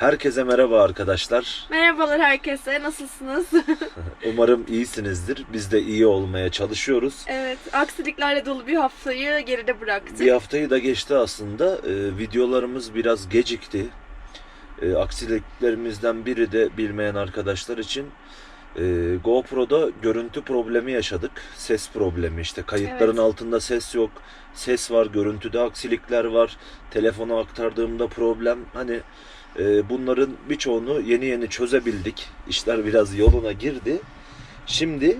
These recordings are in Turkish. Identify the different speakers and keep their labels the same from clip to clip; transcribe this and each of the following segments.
Speaker 1: Herkese merhaba arkadaşlar.
Speaker 2: Merhabalar herkese, nasılsınız?
Speaker 1: Umarım iyisinizdir. Biz de iyi olmaya çalışıyoruz.
Speaker 2: Evet, aksiliklerle dolu bir haftayı geride bıraktık.
Speaker 1: Bir haftayı da geçti aslında. Videolarımız biraz gecikti. Aksiliklerimizden biri de bilmeyen arkadaşlar için GoPro'da görüntü problemi yaşadık. Ses problemi işte. Kayıtların
Speaker 2: Evet.
Speaker 1: altında ses yok. Ses var, görüntüde aksilikler var. Telefona aktardığımda problem. Bunların birçoğunu yeni çözebildik. İşler biraz yoluna girdi. Şimdi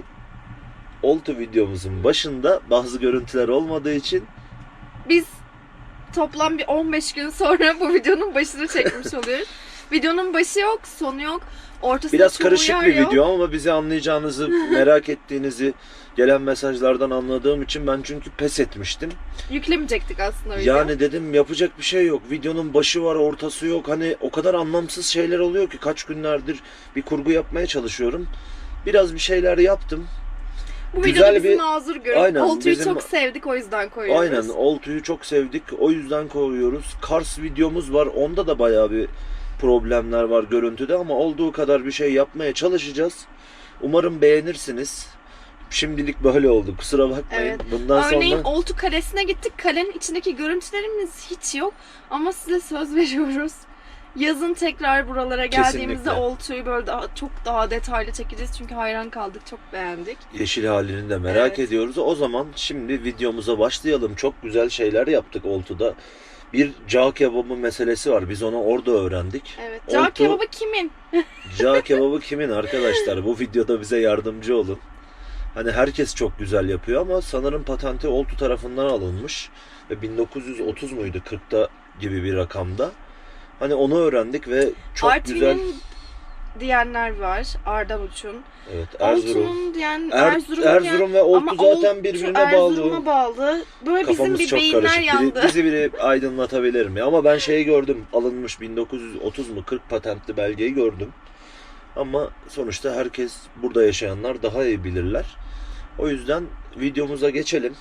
Speaker 1: oltu videomuzun başında bazı görüntüler olmadığı için
Speaker 2: Biz toplam bir 15 gün sonra bu videonun başını çekmiş oluyoruz. Videonun başı yok, sonu yok. Ortasında
Speaker 1: biraz
Speaker 2: çoğu
Speaker 1: karışık
Speaker 2: yer
Speaker 1: bir
Speaker 2: yok.
Speaker 1: video ama bizi anlayacağınızı, merak ettiğinizi gelen mesajlardan anladığım için ben çünkü pes etmiştim.
Speaker 2: Yüklemeyecektik aslında video.
Speaker 1: Yani dedim yapacak bir şey yok. Videonun başı var, ortası yok. Hani o kadar anlamsız şeyler oluyor ki kaç günlerdir bir kurgu yapmaya çalışıyorum. Biraz bir şeyler yaptım.
Speaker 2: Bu
Speaker 1: güzel
Speaker 2: videoda bizi
Speaker 1: bir-
Speaker 2: mazur görüp
Speaker 1: Aynen,
Speaker 2: oltuyu
Speaker 1: bizim-
Speaker 2: çok sevdik, o yüzden koyuyoruz.
Speaker 1: Aynen, oltuyu çok sevdik. O yüzden koyuyoruz. Kars videomuz var. Onda da bayağı bir problemler var görüntüde ama olduğu kadar bir şey yapmaya çalışacağız. Umarım beğenirsiniz. Şimdilik böyle oldu. Kusura bakmayın.
Speaker 2: Evet.
Speaker 1: Bundan
Speaker 2: Örneğin
Speaker 1: sonra
Speaker 2: oltu kalesine gittik. Kalenin içindeki görüntülerimiz hiç yok. Ama size söz veriyoruz. Yazın tekrar buralara geldiğimizde
Speaker 1: Kesinlikle.
Speaker 2: oltuyu böyle çok daha detaylı çekeceğiz. Çünkü hayran kaldık, çok beğendik.
Speaker 1: yeşil halini de merak
Speaker 2: Evet.
Speaker 1: ediyoruz. O zaman şimdi videomuza başlayalım. Çok güzel şeyler yaptık oltuda. Bir cağ kebabı meselesi var. Biz onu orada öğrendik.
Speaker 2: Evet. Cağ
Speaker 1: Oltu-
Speaker 2: kebabı kimin?
Speaker 1: Cağ kebabı kimin arkadaşlar? Bu videoda bize yardımcı olun. Hani herkes çok güzel yapıyor ama sanırım patenti oltu tarafından alınmış. Ve 1930 muydu? 40'ta gibi bir rakamda. Hani onu öğrendik ve çok
Speaker 2: Artvin'in
Speaker 1: güzel.
Speaker 2: diyenler var. Ardavuç'un.
Speaker 1: Evet, Erzurum.
Speaker 2: Oltu'nun diyen, Erzurum'un
Speaker 1: Erzurum ve oltu
Speaker 2: ama
Speaker 1: zaten birbirine bağlı.
Speaker 2: Erzurum'a bağlı. Böyle bizim
Speaker 1: Kafamız
Speaker 2: bir
Speaker 1: çok
Speaker 2: beyinler
Speaker 1: karışık.
Speaker 2: yandı.
Speaker 1: Bizi biri aydınlatabilir mi? Ama ben şeyi gördüm. Alınmış 1930 mu 40 patentli belgeyi gördüm. Ama sonuçta herkes, burada yaşayanlar daha iyi bilirler. O yüzden videomuza geçelim.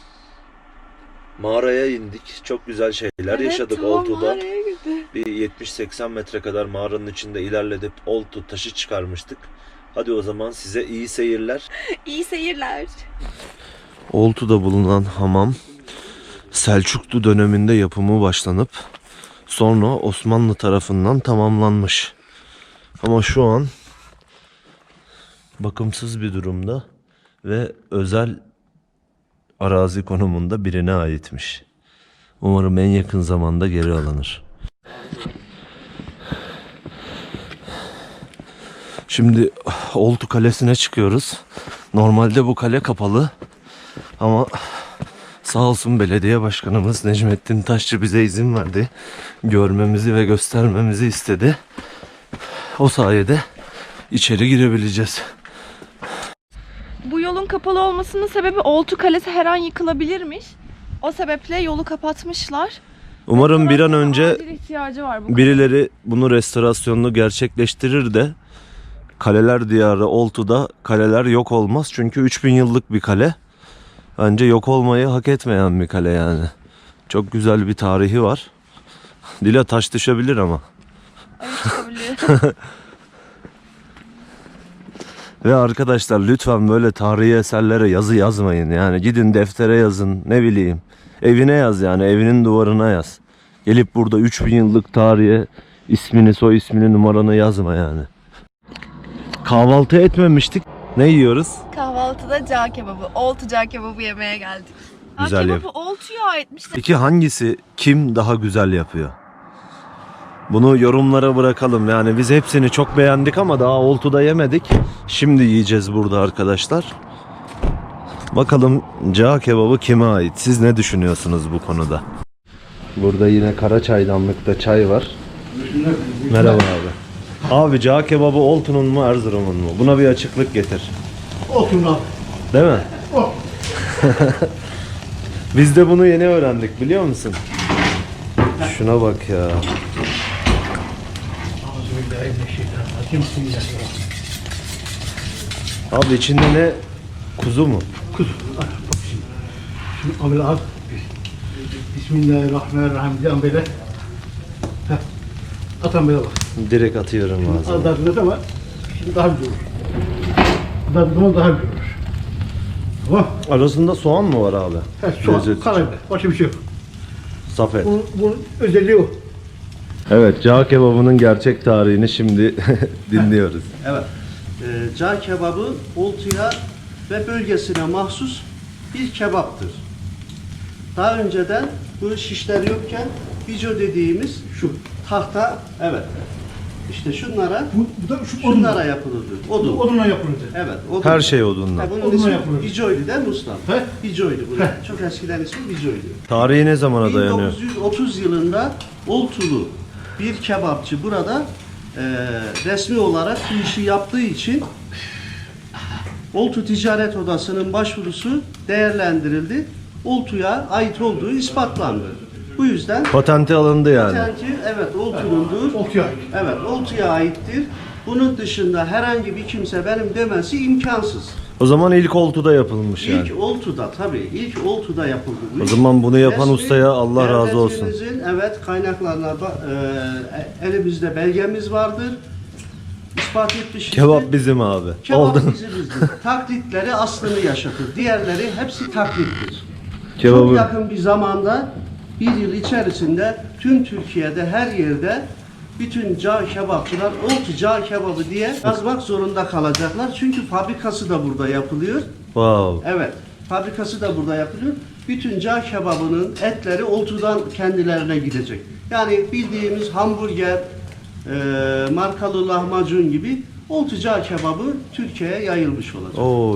Speaker 1: Mağaraya indik. Çok güzel şeyler yaşadık
Speaker 2: tam
Speaker 1: oltuda.
Speaker 2: mağaraya girdi.
Speaker 1: Bir 70-80 metre kadar mağaranın içinde ilerledip oltu taşı çıkarmıştık. Hadi o zaman size iyi seyirler.
Speaker 2: İyi seyirler.
Speaker 1: Oltu'da bulunan hamam Selçuklu döneminde yapımı başlanıp sonra Osmanlı tarafından tamamlanmış. Ama şu an bakımsız bir durumda ve özel arazi konumunda birine aitmiş. Umarım en yakın zamanda geri alınır. Şimdi Oltu Kalesi'ne çıkıyoruz. Normalde bu kale kapalı ama sağ olsun belediye başkanımız Necmettin Taşçı bize izin verdi. Görmemizi ve göstermemizi istedi. O sayede içeri girebileceğiz.
Speaker 2: Bu yolun kapalı olmasının sebebi Oltu Kalesi her an yıkılabilirmiş. O sebeple yolu kapatmışlar.
Speaker 1: Umarım bir an önce
Speaker 2: Acil ihtiyacı var bu.
Speaker 1: birileri bunu restorasyonunu gerçekleştirir de kaleler diyarı Oltu'da kaleler yok olmaz. Çünkü 3000 yıllık bir kale. Bence yok olmayı hak etmeyen bir kale yani. Çok güzel bir tarihi var. Dile taş düşebilir ama.
Speaker 2: Ayıp çıkabilir.
Speaker 1: Ve arkadaşlar lütfen böyle tarihi eserlere yazı yazmayın. Yani gidin deftere yazın, ne bileyim. Evine yaz, yani evinin duvarına yaz. Gelip burada 3000 yıllık tarihe ismini, soy ismini, numaranı yazma yani. Kahvaltı etmemiştik. Ne yiyoruz?
Speaker 2: Kahvaltıda cağ kebabı, Oltu cağ kebabı yemeye geldik.
Speaker 1: Güzel
Speaker 2: Cağ kebabı Oltu'ya aitmiş.
Speaker 1: Peki hangisi, kim daha güzel yapıyor? Bunu yorumlara bırakalım. Yani biz hepsini çok beğendik ama daha Oltu'da yemedik. Şimdi yiyeceğiz burada arkadaşlar. Bakalım cağ kebabı kime ait? Siz ne düşünüyorsunuz bu konuda? Burada yine kara çaydanlıkta çay var. Merhaba abi. Abi cağ kebabı Oltu'nun mu Erzurum'un mu? Buna bir açıklık getir.
Speaker 3: Olsun abi.
Speaker 1: Değil mi?
Speaker 3: Oh.
Speaker 1: Biz de bunu yeni öğrendik, biliyor musun? Şuna bak ya.
Speaker 3: Bismillahirrahmanirrahim.
Speaker 1: Abi içinde ne? Kuzu mu?
Speaker 3: Kuzu. Bak şimdi. Şunu abi al. Bismillahirrahmanirrahim. Diyan böyle. Heh. Atan böyle bak.
Speaker 1: Direkt atıyorum ağzıma.
Speaker 3: Az daha kızart ama şimdi daha güzel olur. Daha zaman daha güzel olur. Tamam.
Speaker 1: Arasında soğan mı var abi?
Speaker 3: Soğan,
Speaker 1: Lezzet için.
Speaker 3: karabiber. Başka bir şey yok.
Speaker 1: Saf et.
Speaker 3: Bunun özelliği o.
Speaker 1: Evet, cağ kebabının gerçek tarihini şimdi dinliyoruz.
Speaker 4: Evet. Cağ kebabı Oltu'ya ve bölgesine mahsus bir kebaptır. Daha önceden bu şişler yokken bico dediğimiz
Speaker 3: Şu.
Speaker 4: tahta, evet. İşte şunlara
Speaker 3: Bu da şu
Speaker 4: şunlara
Speaker 3: odunla.
Speaker 4: yapılırdı. Odun.
Speaker 3: Odunla yapılırdı.
Speaker 4: Evet. Odun.
Speaker 1: Her şey odunla.
Speaker 4: Bunun
Speaker 3: Odunla
Speaker 4: ismi
Speaker 3: yapılır.
Speaker 4: bicoydu değil mi ustam?
Speaker 3: He?
Speaker 4: Bicoydu bunun.
Speaker 3: He.
Speaker 4: Çok eskiden ismi bicoydu.
Speaker 1: Tarihi ne zamana dayanıyor?
Speaker 4: 1930 yılında Oltulu bir kebapçı burada resmi olarak bu işi yaptığı için Oltu Ticaret Odası'nın başvurusu değerlendirildi. Oltu'ya ait olduğu ispatlandı. Bu yüzden
Speaker 1: Patenti alındı yani.
Speaker 4: patenti evet Oltu'nundur.
Speaker 3: Oltu'ya ait.
Speaker 4: Evet Oltu'ya aittir. Bunun dışında herhangi bir kimse benim demesi imkansız.
Speaker 1: O zaman ilk oltuda yapılmış yani.
Speaker 4: İlk Oltu'da tabii ilk Oltu'da yapıldı bu
Speaker 1: O
Speaker 4: iş.
Speaker 1: zaman bunu yapan
Speaker 4: Resmi
Speaker 1: ustaya Allah razı olsun.
Speaker 4: devletimizin, evet kaynaklarına elimizde belgemiz vardır. İspat etmişizdir.
Speaker 1: Kebap bizim abi.
Speaker 4: Kebap
Speaker 1: Oldu.
Speaker 4: bizimizdir. Taklitleri aslını yaşatır. Diğerleri hepsi taklittir. Çok
Speaker 1: Kebabı
Speaker 4: yakın bir zamanda bir yıl içerisinde tüm Türkiye'de her yerde bütün cağ kebapçılar Oltu cağ kebabı diye yazmak zorunda kalacaklar. Çünkü fabrikası da burada yapılıyor.
Speaker 1: wow.
Speaker 4: Evet, fabrikası da burada yapılıyor. Bütün cağ kebabının etleri Oltu'dan kendilerine gidecek. Yani bildiğimiz hamburger, markalı lahmacun gibi Oltu cağ kebabı Türkiye'ye yayılmış olacak.
Speaker 1: Oo.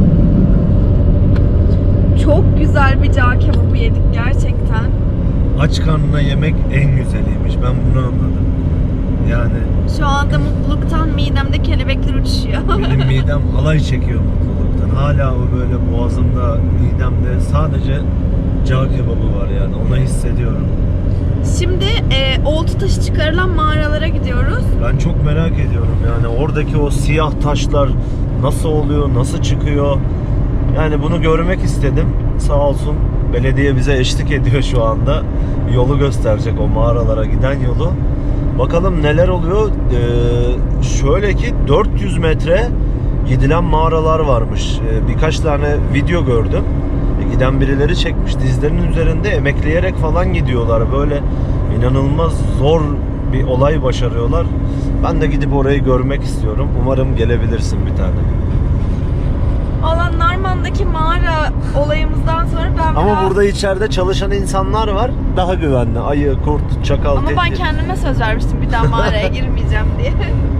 Speaker 2: Çok güzel bir cağ kebabı yedik gerçekten.
Speaker 1: Aç karnına yemek en güzeliymiş. Ben bunu anladım. Yani
Speaker 2: Şu anda mutluluktan midemde kelebekler uçuşuyor.
Speaker 1: benim midem halay çekiyor mutluluktan. Hala o böyle boğazımda, midemde sadece cağ kebabı var yani. Onu hissediyorum.
Speaker 2: Şimdi oltu taşı çıkarılan mağaralara gidiyoruz.
Speaker 1: Ben çok merak ediyorum yani oradaki o siyah taşlar nasıl oluyor, nasıl çıkıyor? Yani bunu görmek istedim. Sağ olsun belediye bize eşlik ediyor şu anda. Yolu gösterecek, o mağaralara giden yolu. Bakalım neler oluyor. Şöyle ki 400 metre gidilen mağaralar varmış. Birkaç tane video gördüm. Giden birileri çekmiş. Dizlerinin üzerinde emekleyerek falan gidiyorlar. Böyle inanılmaz zor bir olay başarıyorlar. Ben de gidip orayı görmek istiyorum. Umarım gelebilirsin bir tane.
Speaker 2: Valla Narman'daki mağara olayımızdan sonra ben
Speaker 1: Ama
Speaker 2: biraz...
Speaker 1: burada içeride çalışan insanlar var. Daha güvenli. Ayı, kurt, çakal,
Speaker 2: Ama ben
Speaker 1: tehdit.
Speaker 2: kendime söz vermiştim bir daha mağaraya girmeyeceğim diye.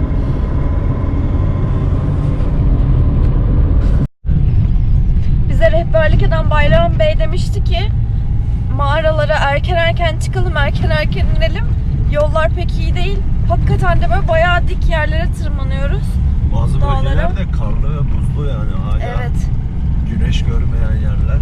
Speaker 2: Bize rehberlik eden Bayram Bey demişti ki mağaralara erken çıkalım, erken inelim. Yollar pek iyi değil. Hakikaten de böyle bayağı dik yerlere tırmanıyoruz.
Speaker 1: Bazı
Speaker 2: dağlara.
Speaker 1: bölgeler de karlı ve buzlu yani hala.
Speaker 2: Evet.
Speaker 1: Güneş görmeyen yerler.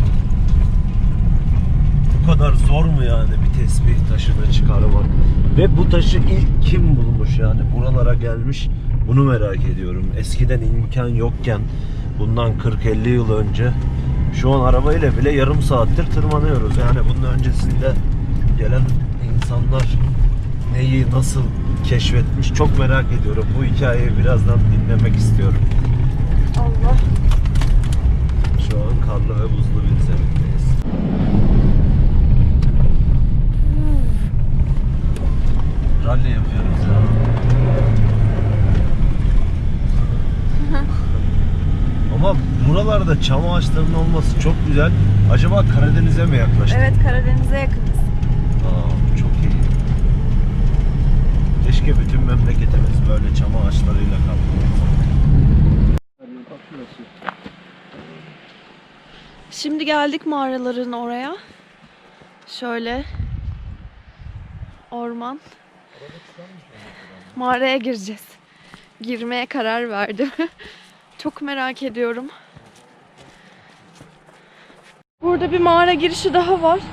Speaker 1: Bu kadar zor mu yani bir tesbih taşını çıkarmak? Ve bu taşı ilk kim bulmuş yani buralara gelmiş? Bunu merak ediyorum. Eskiden imkan yokken bundan 40-50 yıl önce şu an arabayla bile yarım saattir tırmanıyoruz. Yani bunun öncesinde gelen insanlar neyi nasıl keşfetmiş çok merak ediyorum. Bu hikayeyi birazdan dinlemek istiyorum.
Speaker 2: Allah.
Speaker 1: Şu an karlı ve buzlu bir zemindeyiz. Rally yapıyoruz ya. Ama buralarda çam ağaçlarının olması çok güzel. Acaba Karadeniz'e mi yaklaştık?
Speaker 2: Evet, Karadeniz'e yakınız.
Speaker 1: Aa, çok iyi. Keşke bütün memleketimiz böyle çam ağaçlarıyla kaplı olsa.
Speaker 2: Şimdi geldik mağaraların oraya. Şöyle orman. Mağaraya gireceğiz. Girmeye karar verdim. Çok merak ediyorum. Burada bir mağara girişi daha var.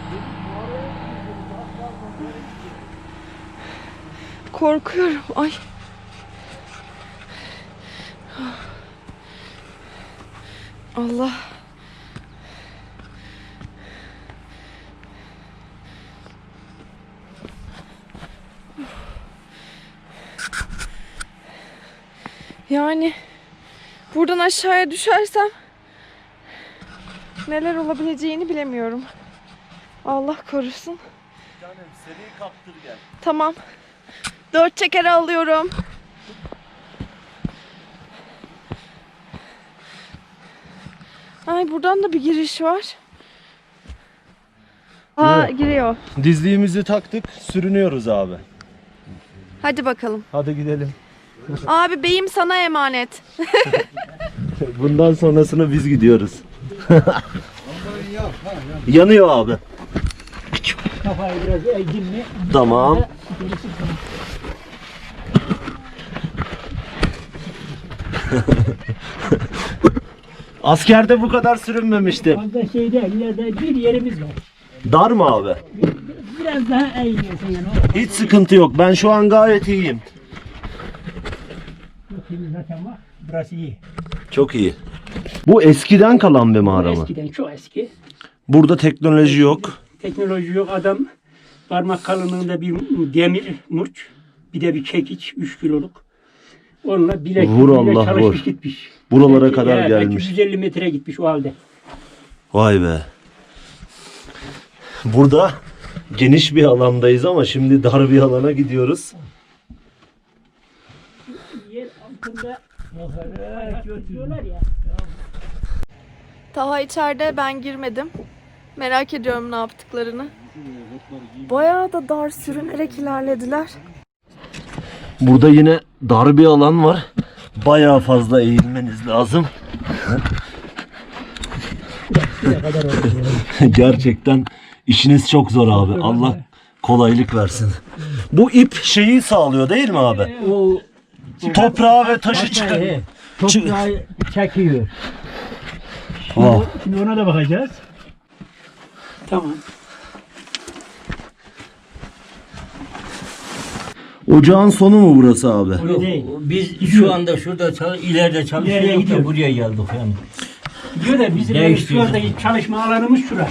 Speaker 2: Korkuyorum. Ay. Allah. Yani buradan aşağıya düşersem neler olabileceğini bilemiyorum. Allah korusun.
Speaker 1: Canım seni kaptır gel.
Speaker 2: Tamam. 4 çekeri alıyorum. Ay buradan da bir giriş var. Aa giriyor.
Speaker 1: Dizliğimizi taktık, sürünüyoruz abi.
Speaker 2: Hadi bakalım.
Speaker 1: Hadi gidelim.
Speaker 2: Abi beyim sana emanet.
Speaker 1: Bundan sonrasını biz gidiyoruz. Yanıyor abi.
Speaker 3: Kafayı biraz eğdin mi?
Speaker 1: Tamam. Askerde bu kadar sürünmemiştim.
Speaker 3: Fazla şeyde ileride bir yerimiz var.
Speaker 1: Dar mı abi?
Speaker 3: Biraz daha eğiliyorsun yani.
Speaker 1: Hiç sıkıntı yok. Ben şu an gayet iyiyim.
Speaker 3: Şimdi zaten bak burası iyi.
Speaker 1: Çok iyi. Bu eskiden kalan bir mağara mı?
Speaker 3: Eskiden çok eski.
Speaker 1: Burada teknoloji yok.
Speaker 3: Teknoloji yok. Adam parmak kalınlığında bir demir murç, bir de bir çekiç 3 kiloluk. Onunla bilek
Speaker 1: Vur Allah,
Speaker 3: çalışmış
Speaker 1: vur.
Speaker 3: gitmiş.
Speaker 1: Buralara
Speaker 3: Belki-
Speaker 1: kadar
Speaker 3: belki
Speaker 1: gelmiş.
Speaker 3: 150 metre gitmiş o halde.
Speaker 1: Vay be. Burada geniş bir alandayız ama şimdi dar bir alana gidiyoruz.
Speaker 3: Yer altında götürüyorlar ya.
Speaker 2: Taha içeride, ben girmedim. Merak ediyorum ne yaptıklarını. Bayağı da dar sürünerek ilerlediler.
Speaker 1: Burada yine dar bir alan var. Bayağı fazla eğilmeniz lazım. Gerçekten işiniz çok zor abi. Allah kolaylık versin. Bu ip şeyi sağlıyor değil mi abi?
Speaker 3: O
Speaker 1: Toprağı ve taşı çıkar.
Speaker 3: toprağı çekiyor.
Speaker 1: Oh.
Speaker 3: Şimdi ona da bakacağız. Tamam.
Speaker 1: Ocağın sonu mu burası abi?
Speaker 3: Öyle değil.
Speaker 5: Biz şu anda şurada ileride
Speaker 3: İleriye
Speaker 5: çalışıyorduk
Speaker 3: gidiyor.
Speaker 5: da buraya geldik yani.
Speaker 3: Diyor da bizim
Speaker 5: Değiştiriyor.
Speaker 3: şuradaki çalışma alanımız şura.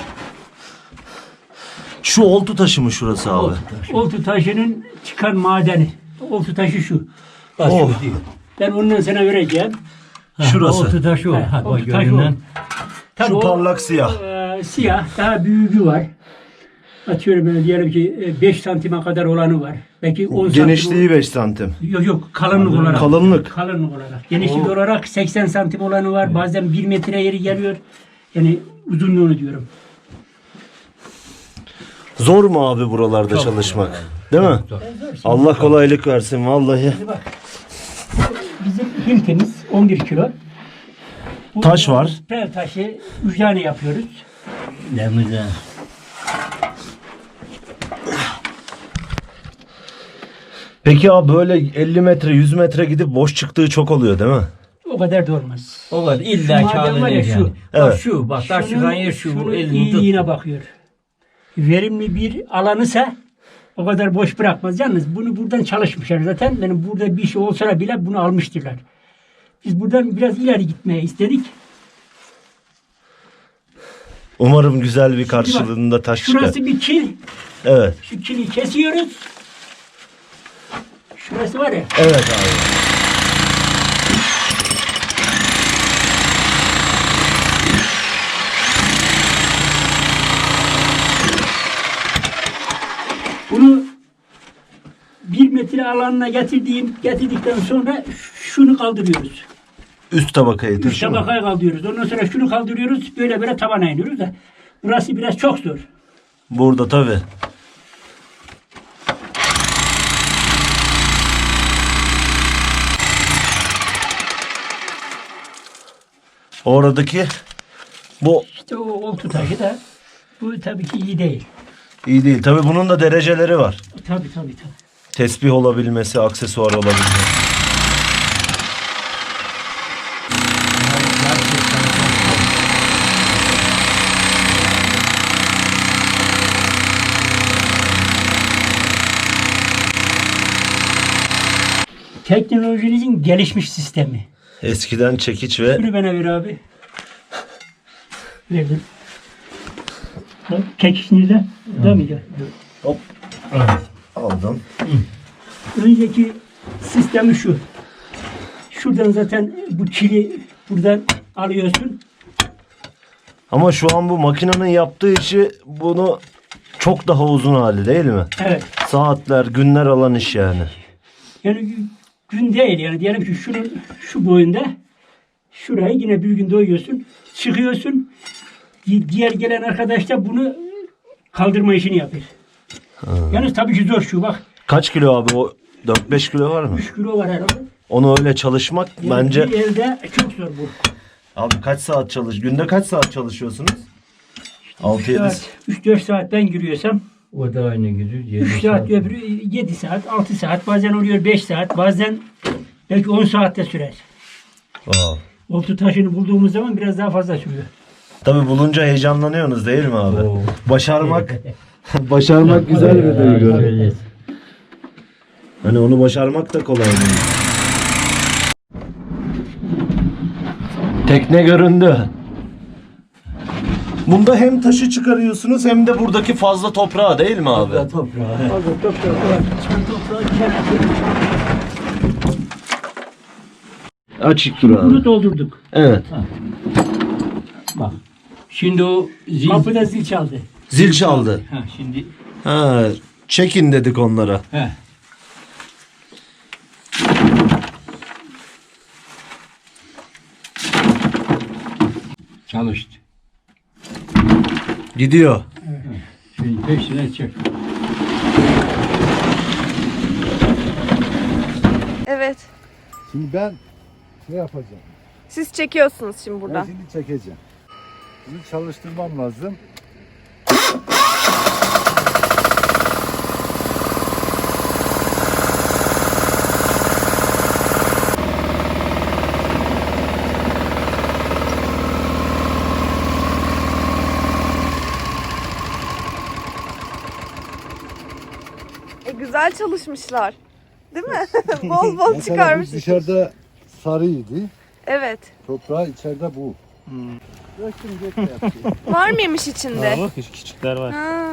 Speaker 1: Şu oltu taşı mı şurası abi?
Speaker 3: Oltu taşının çıkan madeni. Oltu taşı şu.
Speaker 5: Bak
Speaker 1: Oh.
Speaker 5: şu diyor.
Speaker 3: Ben ondan sana vereceğim.
Speaker 1: Şurası.
Speaker 5: Oltu taşı o.
Speaker 3: Ha,
Speaker 5: Ha, bak
Speaker 3: oltu taşı
Speaker 5: görünen.
Speaker 3: Tabii
Speaker 1: Şu
Speaker 3: o,
Speaker 1: parlak siyah.
Speaker 3: siyah. Daha büyüğü var. Atıyorum böyle diyelim ki 5 santime kadar olanı var. Belki 10
Speaker 1: Genişliği 5 santim.
Speaker 3: Yok kalınlık olarak.
Speaker 1: Kalınlık.
Speaker 3: Kalınlık olarak. Genişlik olarak 80 santim olanı var. Bazen 1 metre yeri geliyor. Yani uzunluğunu diyorum.
Speaker 1: Zor mu abi buralarda çalışmak? Değil mi? Allah kolaylık versin vallahi.
Speaker 3: Bizim hiltimiz 11 kilo. Bu
Speaker 1: Taş var.
Speaker 3: Pel taşı 3 tane yapıyoruz.
Speaker 5: Demize.
Speaker 1: Peki abi böyle 50 metre 100 metre gidip boş çıktığı çok oluyor değil mi?
Speaker 3: O kadar da olmaz.
Speaker 5: O var illa
Speaker 3: Şu maden
Speaker 5: kağıdı
Speaker 3: var ya,
Speaker 5: yani.
Speaker 3: şu.
Speaker 5: Bak
Speaker 1: Evet.
Speaker 5: şu bak taş çıkan yer şu.
Speaker 3: şunun
Speaker 5: Elini tut.
Speaker 3: iyiliğine bakıyor. Verimli bir alanısa o kadar boş bırakmaz. Yalnız bunu buradan çalışmışlar zaten. Benim burada bir şey olsa bile bunu almıştırlar. Biz buradan biraz ileri gitmeye istedik.
Speaker 1: Umarım güzel bir karşılığında taş çıkar.
Speaker 3: Şurası bir kil.
Speaker 1: Evet.
Speaker 3: Şu kili kesiyoruz. Şurası var ya.
Speaker 1: Evet abi.
Speaker 3: Bunu 1 metre alanına getirdikten sonra şunu kaldırıyoruz.
Speaker 1: Üst tabakayı
Speaker 3: Üç
Speaker 1: taşı mı?
Speaker 3: tabakaya kaldırıyoruz. Ondan sonra şunu kaldırıyoruz. Böyle böyle tabana iniyoruz da. Burası biraz çok zor.
Speaker 1: Burada tabi. Oradaki bu
Speaker 3: İşte o oltu taşı da bu tabii ki iyi değil.
Speaker 1: iyi değil. Tabi bunun da dereceleri var.
Speaker 3: Tabii.
Speaker 1: Tesbih olabilmesi, aksesuar olabilmesi.
Speaker 3: Teknolojimizin gelişmiş sistemi.
Speaker 1: Eskiden çekiç ve
Speaker 3: Şunu bana ver abi. Verdim. Bak, çekiş nerede? Burada mıydı?
Speaker 1: hop aldım.
Speaker 3: Önceki sistemi şu. Şuradan zaten bu çili buradan alıyorsun.
Speaker 1: Ama şu an bu makinenin yaptığı işi bunu çok daha uzun hali değil mi?
Speaker 3: Evet.
Speaker 1: Saatler, günler alan iş yani.
Speaker 3: Yani gün değil yani. Diyelim ki şunun şu boyunda şurayı yine bir gün doyuyorsun. Çıkıyorsun. Diğer gelen arkadaş da bunu kaldırma işini yapıyor. Yalnız tabii ki zor şu bak.
Speaker 1: Kaç kilo abi o? 4-5 kilo var mı?
Speaker 3: 3 kilo var herhalde.
Speaker 1: Onu öyle çalışmak
Speaker 3: Yani
Speaker 1: bence...
Speaker 3: bir elde çok zor bu.
Speaker 1: Abi kaç saat günde kaç saat çalışıyorsunuz? 6-7
Speaker 3: 3-4 saat ben giriyorsam
Speaker 5: O da aynı gidiyor.
Speaker 3: 3 saat öbürü 7 saat 6 saat bazen oluyor 5 saat bazen belki 10 saatte sürer.
Speaker 1: Aa.
Speaker 3: Oltu taşını bulduğumuz zaman biraz daha fazla sürüyor.
Speaker 1: Tabii bulunca heyecanlanıyorsunuz değil mi abi?
Speaker 5: Oo.
Speaker 1: Başarmak başarmak güzel bir duygu. Hani onu başarmak da kolay değil. Tekne göründü. Bunda hem taşı çıkarıyorsunuz hem de buradaki fazla toprağı değil mi abi?
Speaker 3: Fazla toprağı çıkan toprağı kenara
Speaker 1: Açık dur
Speaker 3: bunu
Speaker 1: abi.
Speaker 3: doldurduk.
Speaker 1: Evet.
Speaker 5: Bak. Şimdi o zil.
Speaker 3: Kapıda zil çaldı.
Speaker 1: Zil çaldı.
Speaker 5: Ha şimdi.
Speaker 1: Ha, çekin dedik onlara.
Speaker 5: He. Çalıştı.
Speaker 1: Gidiyor.
Speaker 5: Şimdi peşine çek.
Speaker 2: Evet.
Speaker 6: Şimdi ben ne yapacağım?
Speaker 2: Siz çekiyorsunuz şimdi
Speaker 6: Ben
Speaker 2: buradan.
Speaker 6: şimdi çekeceğim. Bunu çalıştırmam lazım.
Speaker 2: Güzel çalışmışlar. Değil mi? Bol bol
Speaker 6: Mesela bu
Speaker 2: çıkarmış.
Speaker 6: dışarıda sarıydı.
Speaker 2: Evet.
Speaker 6: Toprağı içeride bu. Bıraktım gökte yaptı.
Speaker 2: Var mıymış içinde?
Speaker 7: Bak küçükler var.
Speaker 2: Ha.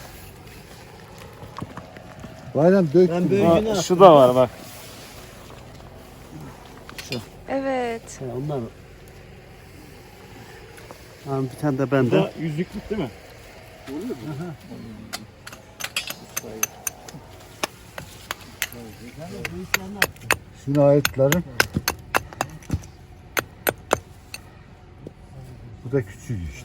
Speaker 6: Bayram döktüm.
Speaker 7: Ha, şu da var bak.
Speaker 2: Evet.
Speaker 4: Onlar. Ha, bir tane de bende.
Speaker 7: Bu da yüzüklük değil mi?
Speaker 6: Şuna aitlerim. Bu da küçük işte.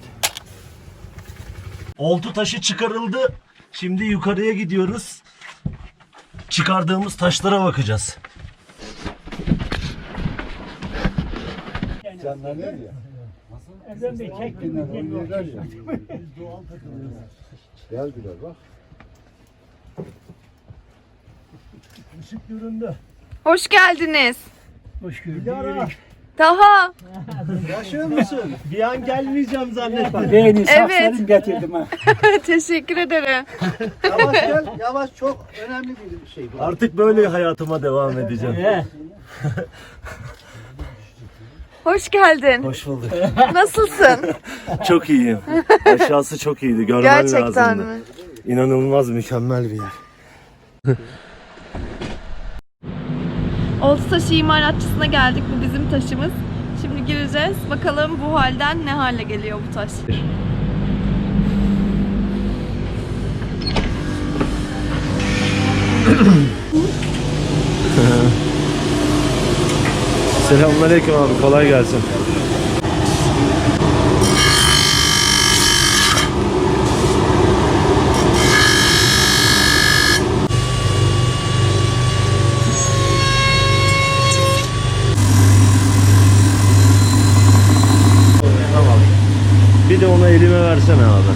Speaker 1: Oltu taşı çıkarıldı. Şimdi yukarıya gidiyoruz. Çıkardığımız taşlara bakacağız.
Speaker 6: Canlar ya.
Speaker 3: Erdem Bey çek.
Speaker 6: Yine oynuyorlar ya. Geldiler bak. Işık göründü.
Speaker 2: Hoş geldiniz.
Speaker 3: Hoş gördük.
Speaker 2: Daha.
Speaker 7: Yaşıyor musun? Bir an gelmeyeceğim zannettim.
Speaker 3: Beyni
Speaker 2: Evet.
Speaker 3: saksarım getirdim ha.
Speaker 2: Teşekkür ederim.
Speaker 4: Yavaş gel, yavaş, çok önemli bir şey bu.
Speaker 1: Artık böyle hayatıma devam edeceğim.
Speaker 3: He.
Speaker 2: Hoş geldin.
Speaker 1: Hoş bulduk.
Speaker 2: Nasılsın?
Speaker 1: Çok iyiyim. Aşağısı çok iyiydi. Görmen
Speaker 2: Gerçekten
Speaker 1: lazımdı.
Speaker 2: mi?
Speaker 1: İnanılmaz mükemmel bir yer.
Speaker 2: Oltutaşı imalatçısına geldik. Bu bizim taşımız. Şimdi gireceğiz. Bakalım bu halden ne hale geliyor bu taş.
Speaker 1: Selamünaleyküm abi. Kolay gelsin. Tamam. Bir de onu elime versene abi.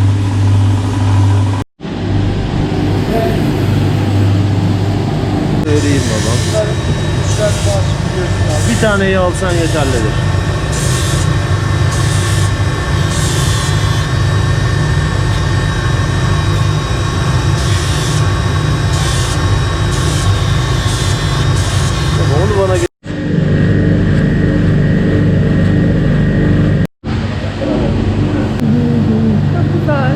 Speaker 1: Vereyim babam. Bir taneyi alsan yeterlidir. Baba onu bana
Speaker 2: Güzel.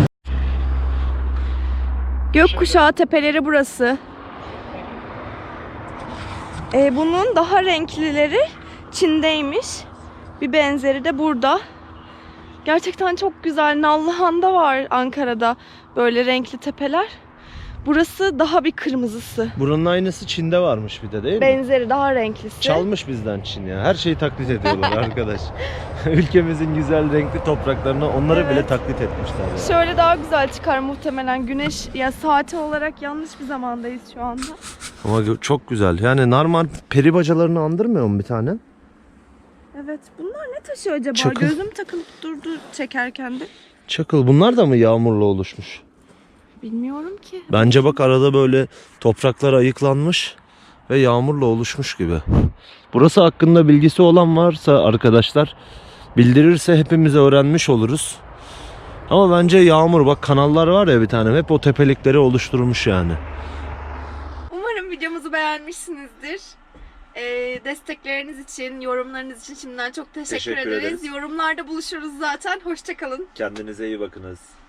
Speaker 2: Gökkuşağı tepeleri burası. Bunun daha renklileri Çin'deymiş. Bir benzeri de burada. Gerçekten çok güzel. Nallıhan'da var Ankara'da böyle renkli tepeler. Burası daha bir kırmızısı.
Speaker 1: Buranın aynısı Çin'de varmış bir de değil mi?
Speaker 2: Benzeri daha renklisi.
Speaker 1: Çalmış bizden Çin ya. Her şeyi taklit ediyorlar arkadaş. Ülkemizin güzel renkli topraklarını onları bile
Speaker 2: Evet.
Speaker 1: taklit etmişler. Yani.
Speaker 2: Şöyle daha güzel çıkar muhtemelen. Güneş ya saati olarak yanlış bir zamandayız şu anda.
Speaker 1: Ama çok güzel. Yani normal peri bacalarını andırmıyor mu bir tane?
Speaker 2: Evet. Bunlar ne taşı acaba?
Speaker 1: Çakıl.
Speaker 2: Gözüm takılıp durdu çekerken de.
Speaker 1: Çakıl. Bunlar da mı yağmurla oluşmuş?
Speaker 2: Bilmiyorum ki.
Speaker 1: Bence bak arada böyle topraklar ayıklanmış ve yağmurla oluşmuş gibi. Burası hakkında bilgisi olan varsa arkadaşlar bildirirse hepimiz öğrenmiş oluruz. Ama bence yağmur, bak kanallar var ya bir tane, hep o tepelikleri oluşturmuş yani.
Speaker 2: Umarım videomuzu beğenmişsinizdir. Destekleriniz için, yorumlarınız için şimdiden çok teşekkür
Speaker 1: Teşekkür
Speaker 2: ederiz.
Speaker 1: ederiz.
Speaker 2: Yorumlarda buluşuruz zaten. Hoşça kalın.
Speaker 1: Kendinize iyi bakınız.